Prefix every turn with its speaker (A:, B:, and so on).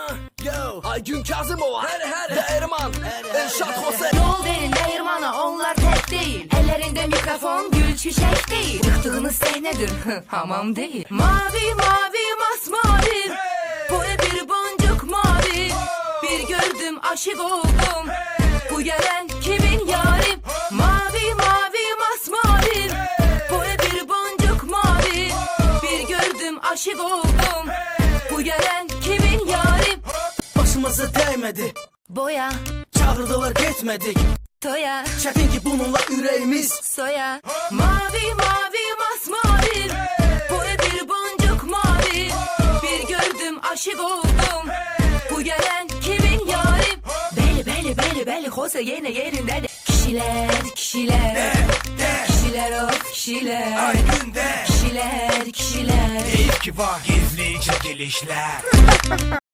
A: Aygün Kazımova, Değirman, Elşad Hosey.
B: Yol verin değirmana, onlar tek değil. Ellerinde mikrofon, gül çiçek değil. Çıktığınız sahnedir, hamam değil. Mavi mavi masmavi, boya bir boncuk mavi. Bir gördüm aşık oldum, bu gelen kimin yarim? Mavi mavi masmavi, boya bir boncuk mavi. Bir gördüm aşık oldum, bu gelen kimin yarim?
A: Başımıza değmedi,
B: Boya,
A: çağırdılar gitmedik.
B: toya,
A: Çetin ki bununla yüreğimiz
B: soya. Mavi mavi masmavi, boya bir boncuk mavi. Bir gördüm aşık oldum, bu gelen kimin yarim? Beli beli beli beli Hosey yine yerinde de. Kişiler kişiler, kişiler of kişiler.
C: Aygün'de
B: Kişiler kişiler.
C: keyif ki var, gizlice gelişler.